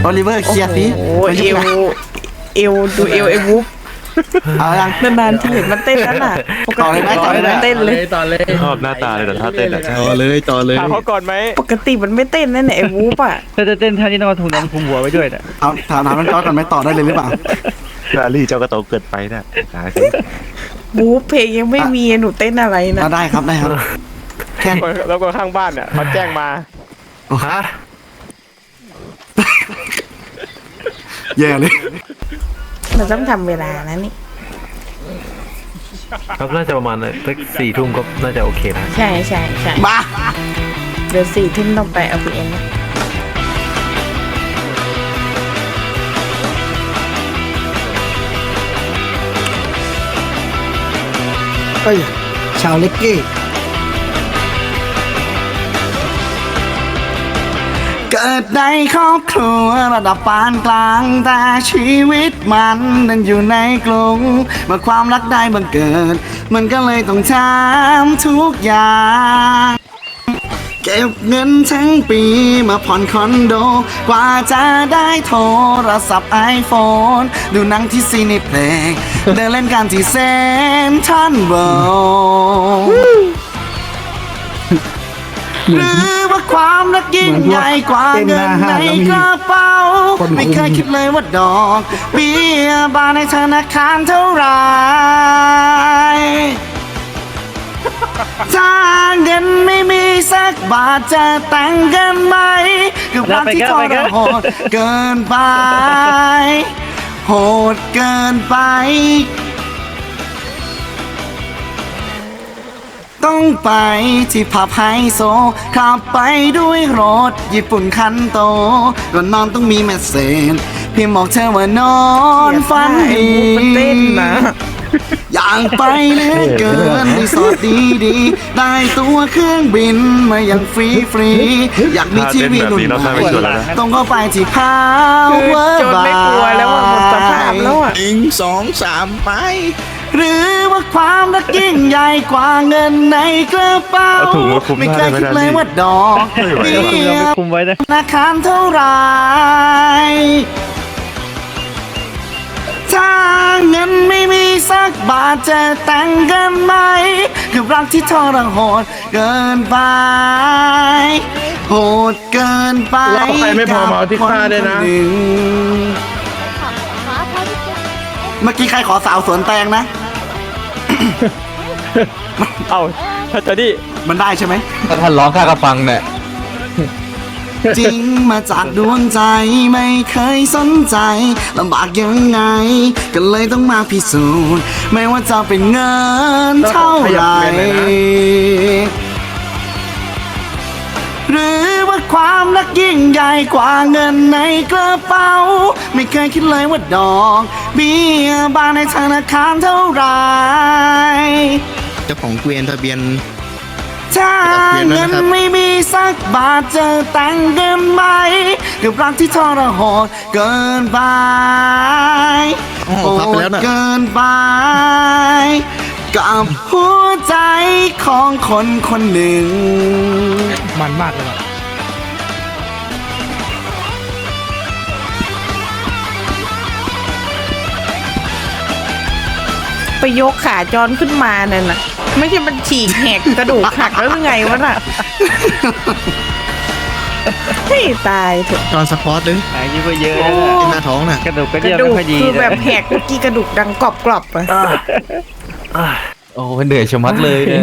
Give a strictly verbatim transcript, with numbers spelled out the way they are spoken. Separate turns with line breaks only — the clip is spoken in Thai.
โอลิเวอร์เคลียร์สิ
โอ้โหเอวเอวดูเอวไอ้วุ๊บ
เอายัง
นานๆที่เห็นมันเต้นแล้วน่ะปก
ต่อเลย
ติ
ไหมต่อเลยไหม
มันเต้นเลย
ต่อเลย
ชอบหน้าตาเลยแต่ถ้าเต้นอะ
ต่อเลยต่อเลย
ถามเขาก่อนไหม
ปกติมันไม่เต้นนั่นแหละไอ้วุ๊บอ่ะ
ถ้าจะเต้นท่านี้ต้องเอาถุงน้ำคลุมหัวไว้ด้วยนะ
เอาถามถามน้องจอร์จก่อนไหมต่อได้เลยหรือเปล่า
ลาลี่เจ้ากระโตเกินไปนะหาสิ
วุ๊บเพลงยังไม่มีหนูเต้นอะไรนะ
เอาได้ครับได้ครับแค่
แล้วก็ข้างบ้านเนี่ยเขาแจ้งมา
ฮะ
แย่เลย
เราต้องทำเวลานะนี่
ครับน่าจะประมาณสักสี่ทุ่มก็น่าจะโอเคนะ
ใช่ใช่ใช่
มา
เดี๋ยวสี่ทุ่มต้องไปเอาพีเอ็น
เอ้ยชาวเล็กกี้เกิดในครอบครัวระดับปานกลางแต่ชีวิตมันนั้นอยู่ในกรุงเมื่อความรักได้บังเกิด มันก็เลยต้องทำทุกอย่าง เก็บเงินทั้งปีมาผ่อนคอนโด กว่าจะได้โทรศัพท์ไอโฟนดูหนังที่ซีนิเพลงเดินเล่นกันที่เซนทรัลเวิลด์หรือว่าความรักยิ่งใหญ่กว่าเงินในกระเป๋าไม่เคยคิดเลยว่าดอกเบี้ยบานในธนาคารเท่าไหรถ้าเงินไม่มีสักบาทจะแต่งกันไหมกับรักที่ทรหดเกินไปโหดเกินไปต้องไปที่ผับไฮโซขับไปด้วยรถญี่ปุ่นคันโตก่อนนอนต้องมีเมสเซจเพียงบอกเธอว่านอนฝัน
ไอ้
ดี
วุ๊บมันเต้นนะ
อยากไปเหลือเกินรีสอร์ทดีๆได้ตัวเครื่องบินมาอย่างฟรีฟรีๆอยากมีทีวีรุ่นใหม่ต้องเข้าไปที่พาวเวอร์
จนไม่กลัวแล้วอ่ะหมดสภาพแล้วอ่ะ
หนึ่งสองสามไป
หรือว่าความรักยิ่งใหญ่กว่าเงินในกระเป๋า
เอาถุงมาคลุม
ไม่
ห
เค
น้าย ได้
คิด
ไหม
เลย
ล่ะ
ว่าดอก
ไม่ไหว
เบี้
แล้วอะ
ย
คุมไว้นะ
ธนาคารเท่าไหรถ้าเงินไม่มีสักบาทจะแต่งกันไหมกับรักที่ทรหดเกินไปโหดเกินไป
แล้วใครไม่พอมาเอาที่ฆ่าด้วยนะ
กับคคหงเมื่อกี้ใครขอสาวสวนแตงนะ
เอ้าถ้าจะดิ
มันได้ใช่ไหม
ถ้าท่านร้องข้าก็ฟังเนี่ย
จริงมาจากดวงใจไม่เคยสนใจลำบากยังไง ก็เลยต้องมาพิสูจน์ไม่ว่าจะเป็นเงินเท่าไหร่หรือว่าความรักยิ่งใหญ่กว่าเงินในกระเป๋าไม่เคยคิดเลยว่าดอกเบี้ยบานในธนาคารเท่าไหร่
เจ้าของเกวียนทะเบียน
ถ้าเงินไม่มีสักบาทจะแต่งกันไหมกับรักที่ทรหดเกินไป
อ๋อพับไปแล้วน่ะ
โหดเกินไป กับหัวใจของคนคนหนึ่ง
มันมากเลยว่ะ
ไปยกขาจอนขึ้นมานั่นน่ะไม่ใช่มันฉีกแหกกระดูกหักแล้วหรือไงวะน่ะให้ตายเถอะ
ตอนสปอร์ตเลย
อายุก็เยอะ
โอ้
เป็นหน้าท้องน่ะ
กระดูกก็
ก
เย
ระ
อะ
ดู
ไม่
ก
ค่อยดี
คือแบบ
นะ
แหกเมื่อกี้กระดูกดังกรอบๆอะ
โอ้เหนื่อยชะมัดเลยเนี่ย